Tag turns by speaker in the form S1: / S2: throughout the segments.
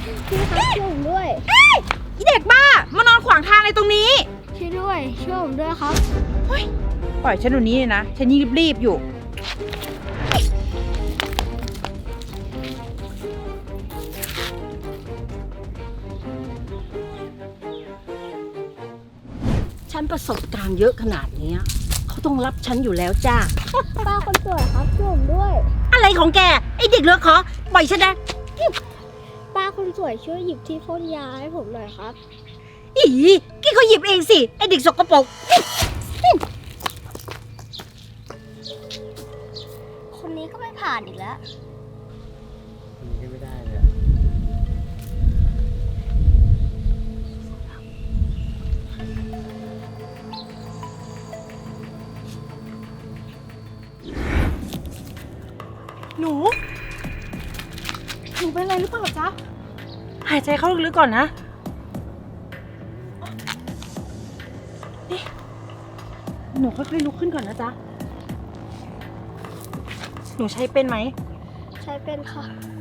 S1: พี่ครับช่วยผมด้วย
S2: อีเด็กบ้ามานอนขวางทางอะไรตรงนี้
S1: ช่วยด้วยช่วยผมด้วยครับ
S2: เฮ้ยปล่อยฉันดูนี้เลยนะฉันยิ่งรีบๆอยู่
S3: ฉันประสบการณ์เยอะขนาดนี้เขาต้องรับฉันอยู่แล้วจ้า
S1: ป้าคนสวยครับช่วยผมด้วย
S3: อะไรของแกไอเด็กเหลือขอปล่อยฉันนะ
S1: ป้าคนสวยช่วยหยิบที่พ่นยาให้ผมหน่อยครับ
S3: อีกี้เขาหยิบเองสิไอเด็กสกปรก
S1: คนนี้ก็ไม่ผ่านอีกแล้ว
S4: คนนี้ก็ไม่ได้เลย
S2: หนูเป็นอะไรหรือเปล่าจ๊ะหายใจเข้าลึกๆก่อนนะนี่หนูค่อยๆลุกขึ้นก่อนนะจ๊ะหนูใช้เป็นไหม
S1: ใช้เป็นค่ะ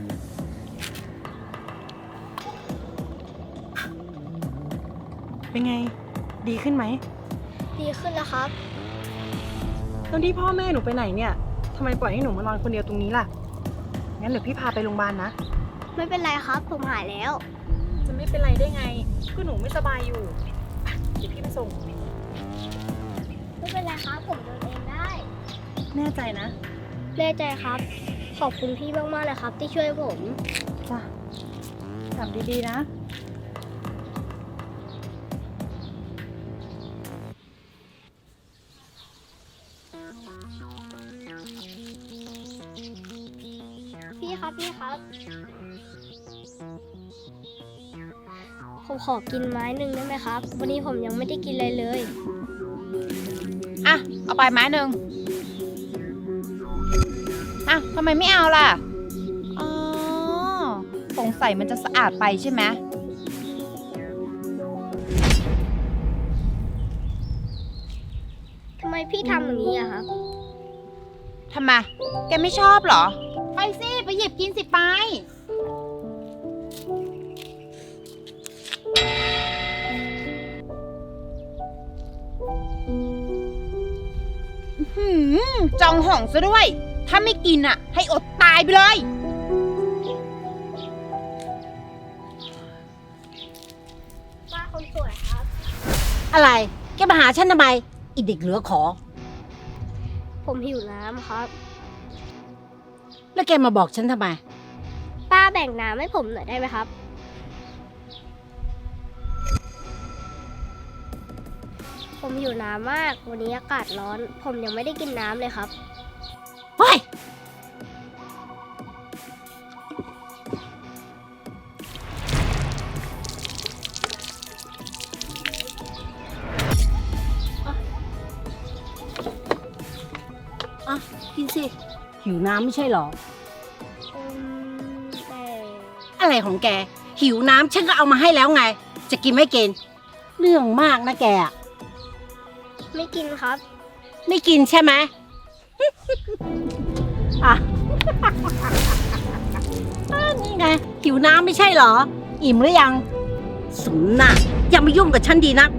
S2: เป็นไงดีขึ้นไหม
S1: ดีขึ้นแล้วครับ
S2: ตอนที่พ่อแม่หนูไปไหนเนี่ยทำไมปล่อยให้หนูมานอนคนเดียวตรงนี้ล่ะงั้นเดี๋ยวพี่พาไปโรงพยาบาลนะ
S1: ไม่เป็นไรครับผมหายแล้ว
S2: จะไม่เป็นไรได้ไงก็หนูไม่สบายอยู่เดี๋ยวพี่ไปส่ง
S1: ไม่เป็นไรครับผมเดินเองได้
S2: แน่ใจนะ
S1: แน่ใจครับ ขอบคุณพี่มากๆเลยครับ ที่ช่วยผม
S2: จ้ะกลับดีๆนะ
S1: พี่ครับพี่ครับ ผมขอกินไม้หนึ่งได้ไหมครับ วันนี้ผมยังไม่ได้กินอะไรเลย
S2: อ่ะเอาไปไม้หนึ่งอ่ะทำไมไม่เอาล่ะอ๋อสงสัยมันจะสะอาดไปใช่ไหม
S1: ทำไมพี่ทำอย่างนี้อะครับ
S2: ทำไมแกไม่ชอบเหรอไปสิไปหยิบกินสิไปจองห่องซะด้วย ถ้าไม่กินอ่ะ ให้อดตายไปเลย
S1: ป้าคนสวยครับ
S3: อะไรแกมาหาฉันทำไมไอเด็กเหลือขอ
S1: ผมหิวน้ำครับ
S3: แล้วแกมาบอกฉันทำไม
S1: ป้าแบ่งน้ำให้ผมหน่อยได้ไหมครับ ผมหิวน้ำมาก วันนี้อากาศร้อน ผมยังไม่ได้กินน้ำเลยครับ
S3: เฮ้ย อ่ะ กินสิ หิวน้ำไม่ใช่เหรอ
S1: แต่
S3: อะไรของแก หิวน้ำฉันก็เอามาให้แล้วไง จะกินไม่กิน เรื่องมากนะแกอะ
S1: ไม่กินครับ
S3: ไม่กินใช่ไหม อ่ะ นี่ไง หิวน้ำไม่ใช่เหรอ อิ่มหรือยังสมน่ะอย่ามายุ่งกับฉันดีนัก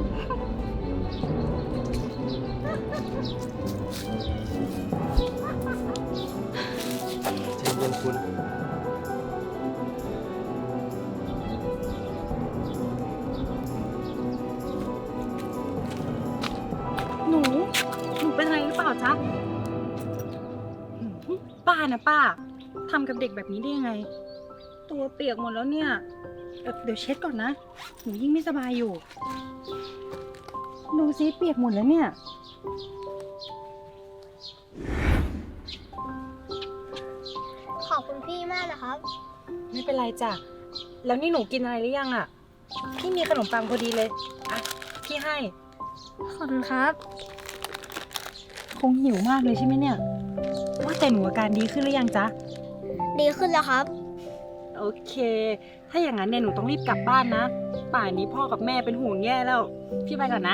S4: ใจเย็นคุณ
S2: หนูเป็นอะไรหรือเปล่าจ๊ะป้านะป้าทำกับเด็กแบบนี้ได้ยังไง ตัวเปียกหมดแล้วเนี่ยเดี๋ยวเช็ดก่อนนะ หนูยิ่งไม่สบายอยู่ ดูซิเปียกหมดแล้วเนี่ย
S1: ขอบคุณพี่มากนะครับ
S2: ไม่เป็นไรจ้ะ แล้วนี่หนูกินอะไรหรือยังอ่ะ พี่มีขนมปังพอดีเลย อ่ะ พี่ให้
S1: ขอบคุณครับ
S2: คงหิวมากเลยใช่ไหมเนี่ย ว่าแต่หนูอาการดีขึ้นหรือยังจ๊ะ
S1: ดีขึ้นแล้วครับ
S2: โอเค ถ้าอย่างนั้นเนี่ยหนูต้องรีบกลับบ้านนะ ป่านนี้พ่อกับแม่เป็นห่วงแย่แล้ว พี่ไปก่อนนะ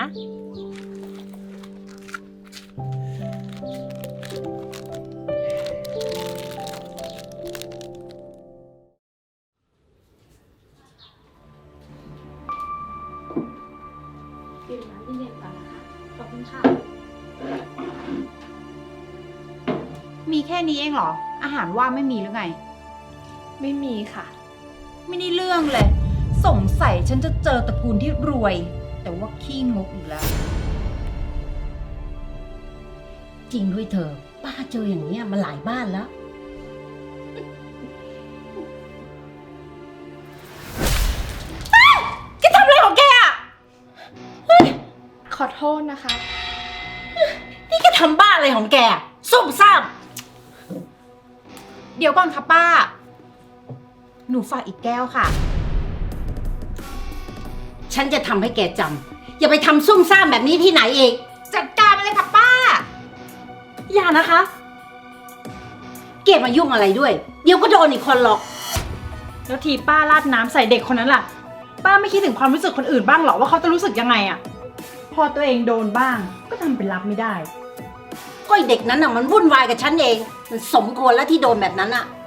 S2: นี้เองเหรอ อาหารว่างไม่มีหรือไง
S5: ไม่มีค่ะ
S2: ไม่ได้เรื่องเลย สงสัยฉันจะเจอตระกูลที่รวย แต่ว่าขี้งกอีกแล้ว
S3: จริงด้วยเธอ ป้าเจออย่างเนี้ยมาหลายบ้านแล้ว
S2: แกทำอะไรของแกอ่ะ
S5: ขอโทษนะคะ
S3: นี่แกทำบ้าอะไรของแกซุ่มซ่าม
S2: เดี๋ยวก่อนค่ะป้า หนูฝากอีกแก้วค่ะ
S3: ฉันจะทำให้แกจำอย่าไปทำซุ่มซ่ามแบบนี้ที่ไหนเอง
S2: จัดการไปเลยค่ะป้า
S3: อย่านะคะ เกมายุ่งอะไรด้วย เดี๋ยวก็โดนอีกคนหรอก
S2: แล้วทีป้าราดน้ำใส่เด็กคนนั้นล่ะ ป้าไม่คิดถึงความรู้สึกคนอื่นบ้างเหรอว่าเขาจะรู้สึกยังไงอะพอตัวเองโดนบ้าง ก็ทำเป็นรับไม่ได้
S3: ก็ไอ้เด็กนั้นน่ะมันวุ่นวายกับฉันเอง มันสมควรแล้วที่โดนแบบนั้นอ่ะ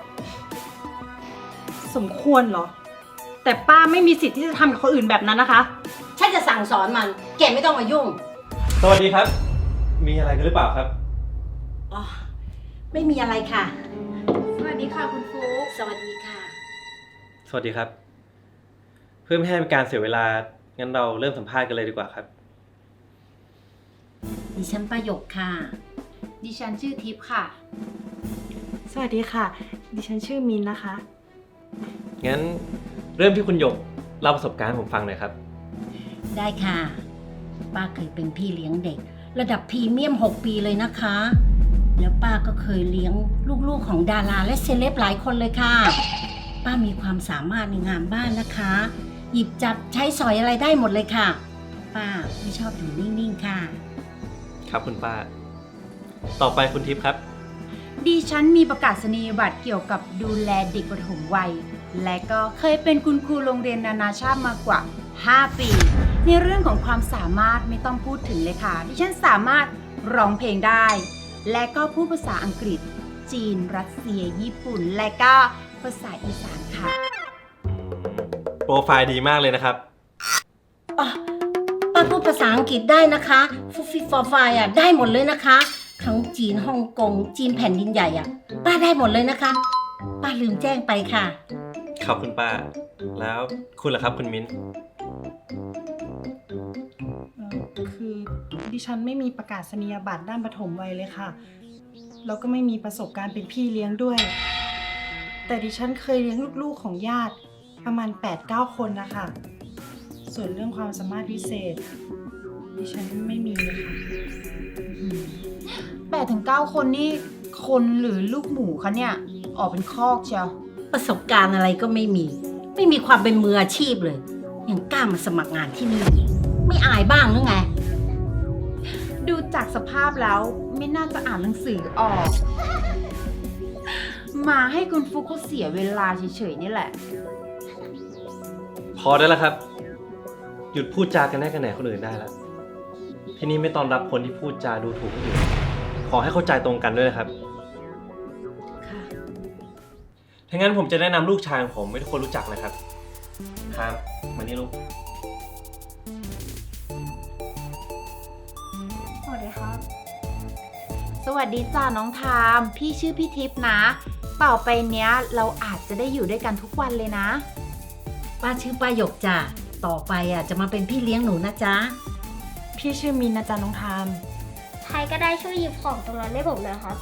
S2: สมควรเหรอ แต่ป้าไม่มีสิทธิ์ที่จะทำกับคนอื่นแบบนั้นนะคะ
S3: ฉันจะสั่งสอนมัน แกไม่ต้องมายุ่ง
S4: สวัสดีครับ มีอะไรกันหรือเปล่าครับ
S3: อ๋อ ไม่มีอะไรค่ะ
S2: สวัสดีค่ะคุณฟุ๊ก
S3: สวัสดีค่ะ
S4: สวัสดีครับ เพื่อไม่ให้เป็นการเสียเวลา งั้นเราเริ่มสัมภาษณ์กันเลยดีกว่าครับ
S3: ดิฉันประโยคค่ะ
S2: ดิฉันชื่อทิพย์ค่ะ
S5: สวัสดีค่ะ ดิฉันชื่อมินนะคะ
S4: งั้นเริ่มที่คุณหยกเล่าประสบการณ์ให้ผมฟังหน่อยครับ
S3: ได้ค่ะ ป้าเคยเป็นพี่เลี้ยงเด็ก ระดับพรีเมียม 6 ปีเลยนะคะ แล้วป้าก็เคยเลี้ยงลูกๆของดาราและเซเลบหลายคนเลยค่ะ ป้ามีความสามารถในงานบ้านนะคะ หยิบจับใช้สอยอะไรได้หมดเลยค่ะ ป้าไม่ชอบอยู่นิ่งๆค่ะ
S4: ครับคุณป้า ต่อไปคุณทิพย์ครับ
S2: ดิฉันมีประกาศนียบัตรเกี่ยวกับดูแลเด็กปฐมวัย และก็เคยเป็นคุณครูโรงเรียนนานาชาติมากว่า 5 ปี ในเรื่องของความสามารถไม่ต้องพูดถึงเลยค่ะ ดิฉันสามารถร้องเพลงได้ และก็พูดภาษาอังกฤษ จีน รัสเซีย ญี่ปุ่น และก็ภาษาอีสานค่ะ
S4: โปรไฟล์ดีมากเลยนะครับ
S3: อ๋อ ป้าพูดภาษาอังกฤษได้นะคะฟุฟิฟอร์ไฟอ่ะได้หมดเลยนะคะ ทั้งจีนฮ่องกงจีนแผ่นดินใหญ่อ่ะ ป้าได้หมดเลยนะคะ ป้าลืมแจ้งไปค่ะ
S4: ขอบคุณป้า แล้วคุณล่ะครับคุณมิ้น
S5: คือดิฉันไม่มีประกาศนียบัตรด้านปฐมวัยเลยค่ะ แล้วก็ไม่มีประสบการณ์เป็นพี่เลี้ยงด้วย แต่ดิฉันเคยเลี้ยงลูกๆของญาติประมาณ 8-9 คนนะคะ ส่วนเรื่องความสามารถพิเศษ ดิฉันไม่มีเลยค่ะ
S2: 8-9 คนนี่คนหรือลูกหมูคะเนี่ย ออกเป็นคอกเชียว
S3: ประสบการณ์อะไรก็ไม่มี ไม่มีความเป็นมืออาชีพเลย ยังกล้ามาสมัครงานที่นี่อีกไม่อายบ้างหรือไง
S2: ดูจากสภาพแล้วไม่น่าจะอ่านหนังสือออก มาให้คุณฟุกเขาเสียเวลาเฉยๆนี่แหละ
S4: พอได้แล้วครับ หยุดพูดจากันแน่กันแหนคนอื่นได้แล้ว ที่นี่ไม่ต้อนรับคนที่พูดจาดูถูกคนอื่น ขอให้เข้าใจตรงกันด้วยนะครับ
S3: ค่ะ
S4: ถ้างั้นผมจะแนะนำลูกชายของผมให้ทุกคนรู้จักนะครับครับมานี่ลูก
S5: สวัสดีครับ
S2: สวัสดีจ้าน้องทาม พี่ชื่อพี่ทิพย์นะ ต่อไปเนี้ยเราอาจจะได้อยู่ด้วยกันทุกวันเลยนะ
S3: ป้าชื่อป้าหยกจ้ะต่อไปอ่ะจะมาเป็นพี่เลี้ยงหนูนะจ๊ะ
S5: พี่ชื่อมินนะจ๊ะน้องทาม
S1: ใครก็ได้ช่วยหยิบของตรงนั้นให้ผมหน่อยครับ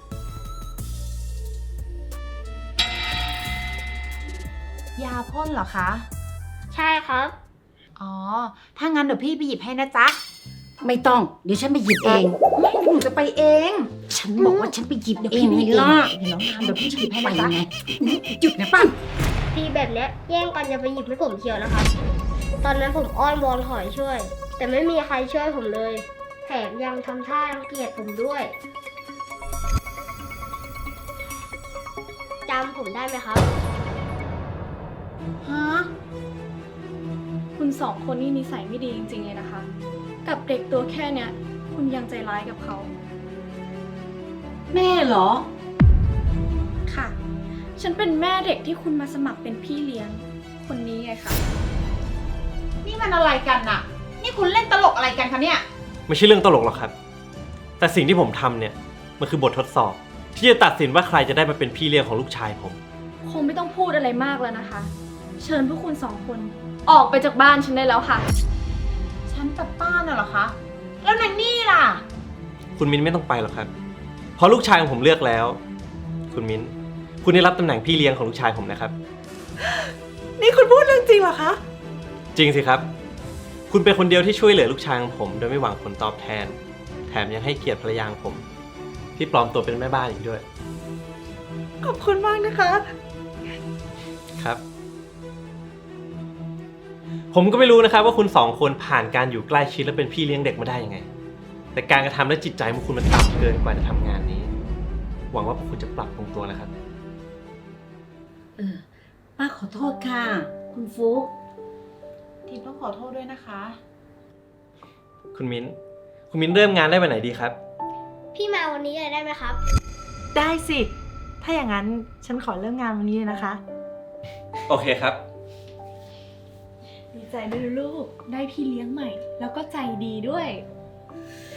S2: ยาพ่นเหรอคะ
S1: ใช่ครับ
S2: อ๋อ ถ้างั้นเดี๋ยวพี่ไปหยิบให้นะจ๊ะ
S3: ไม่ต้อง เดี๋ยวฉันไปหยิบเอง
S2: ไม่หนูจะไปเอง
S3: ฉันบอกว่าฉันไปหยิบ
S2: เดี๋ยว
S3: เอ
S2: พี่
S3: ง
S2: ไปห
S3: ไง
S2: ยิบเอง
S3: ล่ะ
S2: เดี๋ยวน้องทามเดี๋ยวพี่หยิบให้
S3: ไป
S2: นะจ๊ะ
S3: ไงหยุดนะป้า
S1: ทีแบบเนี้ยแย่งกันจะไปหยิบให้ผมเชียวนะครับ ตอนนั้นผมอ้อนวอนขอให้ช่วย แต่ไม่มีใครช่วยผมเลย แถมยังทำท่ารังเกียจผมด้วยจำผมได้ไหมครับ
S2: ฮะ
S5: คุณสองคนนี่นิสัยไม่ดีจริงๆเลยนะคะ กับเด็กตัวแค่เนี้ย คุณยังใจร้ายกับเขา
S3: แม่เหรอ
S5: ค่ะ ฉันเป็นแม่เด็กที่คุณมาสมัครเป็นพี่เลี้ยง คนนี้ไงคะ
S2: นี่มันอะไรกันน่ะ นี่คุณเล่นตลกอะไรกันคะเนี่ย
S4: ไม่ใช่เรื่องตลกหรอกครับ แต่สิ่งที่ผมทำเนี่ยมันคือบททดสอบที่จะตัดสินว่าใครจะได้มาเป็นพี่เลี้ยงของลูกชายผม
S6: คงไม่ต้องพูดอะไรมากแล้วนะคะ เชิญพวกคุณสองคนออกไปจากบ้านฉันได้แล้วค่ะ
S2: ฉันกับป้าน่ะเหรอคะ แล้วนางนี่ล่ะ
S4: คุณมิ้นไม่ต้องไปหรอกครับ เพราะลูกชายของผมเลือกแล้ว คุณมิ้น คุณได้รับตำแหน่งพี่เลี้ยงของลูกชายผมนะครับ
S5: นี่คุณพูดเรื่องจริงเหรอคะ
S4: จริงสิครับ คุณเป็นคนเดียวที่ช่วยเหลือลูกชายของผมโดยไม่หวังผลตอบแทน แถมยังให้เกียรติภรรยาของผม ที่ปลอมตัวเป็นแม่บ้านอีกด้วย
S5: ขอบคุณมากนะคะ
S4: ครับ ผมก็ไม่รู้นะครับว่าคุณสองคนผ่านการอยู่ใกล้ชิดและเป็นพี่เลี้ยงเด็กมาได้ยังไง แต่การกระทำและจิตใจของคุณมันต่ำเกินกว่าจะทำงานนี้ หวังว่าพวกคุณจะปรับปรุงตัวนะครับ
S3: ป้าขอโทษค่ะ คุณฟุ๊ก
S5: ทีมต้องขอโทษด้วยนะคะ
S4: คุณมิ้น คุณมิ้นเริ่มงานได้วันไหนดีครับ
S1: พี่มาวันนี้เลยได้ไหมครับ
S5: ได้สิ ถ้าอย่างนั้นฉันขอเริ่มงานวันนี้เลยนะคะ
S4: โอเคครับ
S6: ดีใจด้วยลูก ได้พี่เลี้ยงใหม่ แล้วก็ใจดีด้วย